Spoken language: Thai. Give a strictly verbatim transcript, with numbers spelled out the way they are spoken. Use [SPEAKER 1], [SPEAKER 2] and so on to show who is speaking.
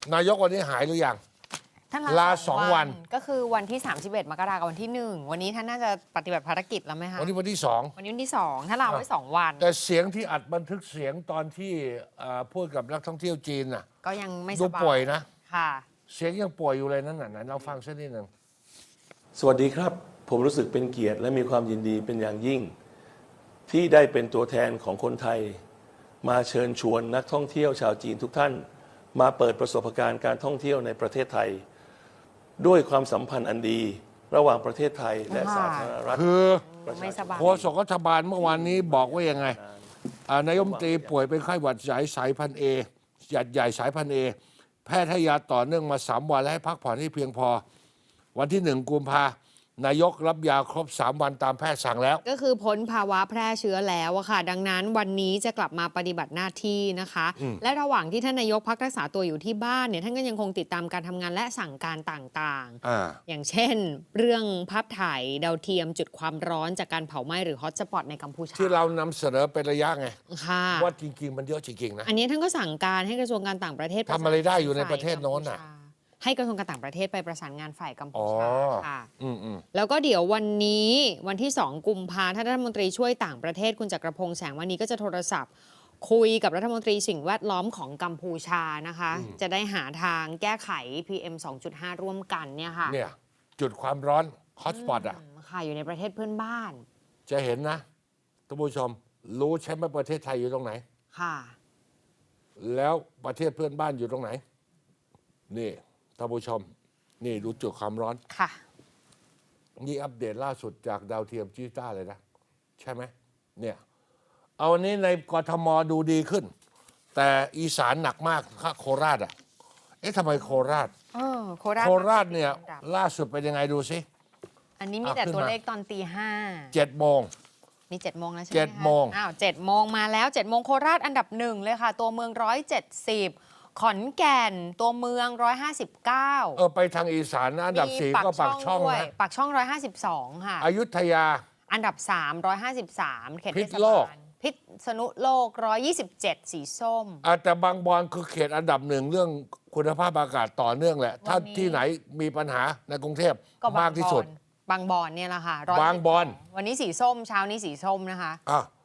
[SPEAKER 1] นายกวันนี้หายหรือยัง
[SPEAKER 2] ท่าน
[SPEAKER 1] ลาสองวัน
[SPEAKER 2] ก็คือวันที่สามสิบเอ็ดมกราคมกับวันที่หนึ่งวันนี้ท่านน่าจะปฏิบัติภารกิจแล้วไหมคะ
[SPEAKER 1] วันนี้วันที่สอง
[SPEAKER 2] วันนี้วันที่สองท่านลาไว้สองวัน
[SPEAKER 1] แต่เสียงที่อัดบันทึกเสียงตอนที่พูดกับนักท่องเที่ยวจีนน่ะ
[SPEAKER 2] ก็ยังไม่ส
[SPEAKER 1] ดู
[SPEAKER 2] บาย
[SPEAKER 1] ป่วยนะ
[SPEAKER 2] ค่ะ
[SPEAKER 1] เสียงยังป่วยอยู่เลยนั่นน่ะเราฟังสักนิดหนึ่ง
[SPEAKER 3] สวัสดีครับผมรู้สึกเป็นเกียรติและมีความยินดีเป็นอย่างยิ่ง ที่ได้เป็นตัวแทนของคนไทยมาเชิญชวนนักท่องเที่ยวชาวจีนทุกท่านมาเปิดประสบการณ์การท่องเที่ยวในประเทศไทยด้วยความสัมพันธ์อันดีระหว่างประเทศไทยและสาธารณรัฐ
[SPEAKER 1] คือ
[SPEAKER 2] ไม่สบาย
[SPEAKER 1] โฆษกรัฐบาลเมื่อวานนี้บอกว่ายังไงนายกรัฐมนตรีป่วยเป็นไข้หวัดใหญ่สายพันธุ์เอหยัดใหญ่สายพันธุ์เอแพทย์ให้ยาต่อเนื่องมาสามวันและให้พักผ่อนให้เพียงพอวันที่หนึ่งกุมภานายกรับยาครบสามวันตามแพทย์สั่งแล้ว
[SPEAKER 2] ก็คือพ้นภาวะแพร่เชื้อแล้วอะค่ะดังนั้นวันนี้จะกลับมาปฏิบัติหน้าที่นะคะและระหว่างที่ท่านนายกพักรักษาตัวอยู่ที่บ้านเนี่ยท่านก็ยังคงติดตามการทำงานและสั่งการต่างๆ
[SPEAKER 1] อ,
[SPEAKER 2] อย่างเช่น เรื่องภาพถ่ายดาวเทียมจุดความร้อนจากการเผาไหม้หรือฮอตสปอตในกัมพูชา
[SPEAKER 1] ที่เรานำเสนอเป็นระยะไงว่าจริงๆมันเยอะจริงๆนะ
[SPEAKER 2] อันนี้ท่านก็สั่งการให้กระทรวงการต่างประเทศ
[SPEAKER 1] ทำอะไรได้อยู่ในประเทศโน้นน่ะ
[SPEAKER 2] ให้กระทรวงการต่างประเทศไปประสานงานฝ่ายกัมพูชาค่ะ
[SPEAKER 1] อืม
[SPEAKER 2] แล้วก็เดี๋ยววันนี้วันที่สองกุมภาพันธ์ท่านรัฐมนตรีช่วยต่างประเทศคุณจักรพงษ์แสงมณีก็จะโทรศัพท์คุยกับรัฐมนตรีสิ่งแวดล้อมของกัมพูชานะคะจะได้หาทางแก้ไข พี เอ็ม สองจุดห้า ร่วมกันเนี่ยค่ะ
[SPEAKER 1] เนี่ยจุดความร้อนฮอตสปอตอ่ะ
[SPEAKER 2] ค่ะอยู่ในประเทศเพื่อนบ้าน
[SPEAKER 1] จะเห็นนะท่านผู้ชมรู้ใช่ไหมประเทศไทยอยู่ตรงไหน
[SPEAKER 2] ค่ะ
[SPEAKER 1] แล้วประเทศเพื่อนบ้านอยู่ตรงไหนนี่ท่านผู้ชมนี่ดูจุดความร้อน
[SPEAKER 2] ค่ะ
[SPEAKER 1] นี่อัปเดตล่าสุดจากดาวเทียมจีต้าเลยนะใช่ไหมเนี่ยเอาวันนี้ในกทมดูดีขึ้นแต่อีสานหนักมากค่ะโคราชอ่ะเอ๊ะทำไมโคราช
[SPEAKER 2] เออโคราช
[SPEAKER 1] โคราชเนี่ยล่าสุดเป็นยังไงดูสิ
[SPEAKER 2] อันนี้มีแต่ตัวเลขตอนตีห้า
[SPEAKER 1] เจ็ดโมง
[SPEAKER 2] มีเจ็ดโมงแล้วใช่ไหม
[SPEAKER 1] เจ็ดโมง
[SPEAKER 2] อ้าวเจ็ดโมงมาแล้วเจ็ดโมงโคราชอันดับหนึ่งเลยค่ะตัวเมืองร้อยเจ็ดสิบขอนแก่นตัวเมืองร้อยห้าสิบเก้า
[SPEAKER 1] เออไปทางอีสานอันดับสี่ก็ปากช่องนะ
[SPEAKER 2] ปากช่องร้อยห้าสิบสองค่ะ
[SPEAKER 1] อยุธยา
[SPEAKER 2] อันดับสามร้อยห้าสิบสามเขตเทศบาลพิษณุโลกร้อยยี่สิบเจ็ดสีส้ม
[SPEAKER 1] แต่บางบอนคือเขตอันดับหนึ่งเรื่องคุณภาพอากาศต่อเนื่องแหละถ้าที่ไหนมีปัญหาในกรุงเทพมากที่สุด
[SPEAKER 2] บางบอนเนี่ยแหละค่ะ
[SPEAKER 1] บางบอน
[SPEAKER 2] วันนี้สีส้มเช้านี้สีส้มนะคะ
[SPEAKER 1] อ่ะ